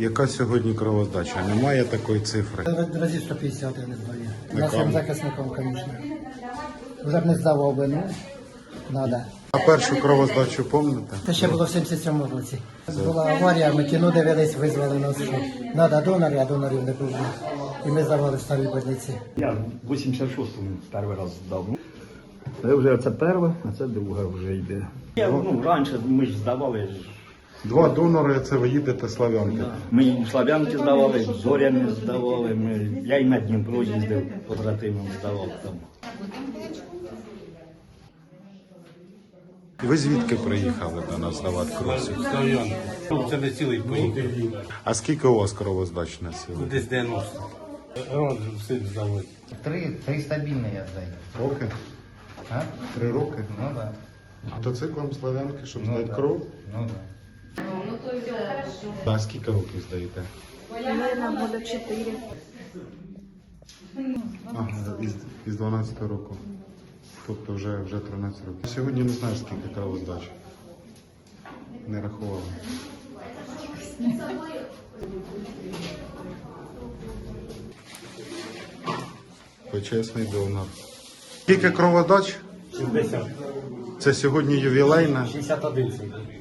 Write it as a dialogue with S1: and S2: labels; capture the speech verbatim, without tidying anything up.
S1: Яка сьогодні кровоздача? Немає такої цифри.
S2: Разів сто п'ятдесят я не здаю.
S1: На
S2: Нашим
S1: кому?
S2: захисникам, звісно. Вже б не здавав би, ну, треба.
S1: А першу кровоздачу пам'ятаєте?
S2: Це ще було в сімдесят сьомому році. Була аварія, ми кіно дивились, визвали нас, що треба донори, а донорів не було. І ми здавали в старій больниці.
S3: Я в вісімдесят шостому перший раз здав. Це вже це перше, а це друге вже йде. Я, ну, раніше ми ж здавали.
S1: Два донори, це ви їдете Слав'янки.
S3: Ми і Слав'янки здавали, Зоряни здавали. Ми, я і на Дніпро їздив, побратимам здавав там.
S1: Ви звідки приїхали до нас здавати кров?
S4: Слав'янки. Це не цілий поїхав.
S1: А скільки у вас кровоздач на сьогодні?
S4: Десь дев'яносто. Рон все здавати.
S5: Три, три стабільні я здаю.
S1: Роки?
S5: А?
S1: Три роки?
S5: Ну да.
S1: Мотоциклом Слав'янки, щоб
S5: Ну,
S1: здати
S5: да.
S1: кров?
S5: Ну да.
S1: А скільки років здаєте?
S6: Наверное, года четыре.
S1: Ага, із, із дванадцятого року. Тобто вже, вже тринадцять років. Сьогодні не знаю, скільки кровоздач. Не рахувала. Почесний донор. Скільки кроводач?
S4: шістдесят.
S1: Це сьогодні ювілейна.
S4: шістдесят один.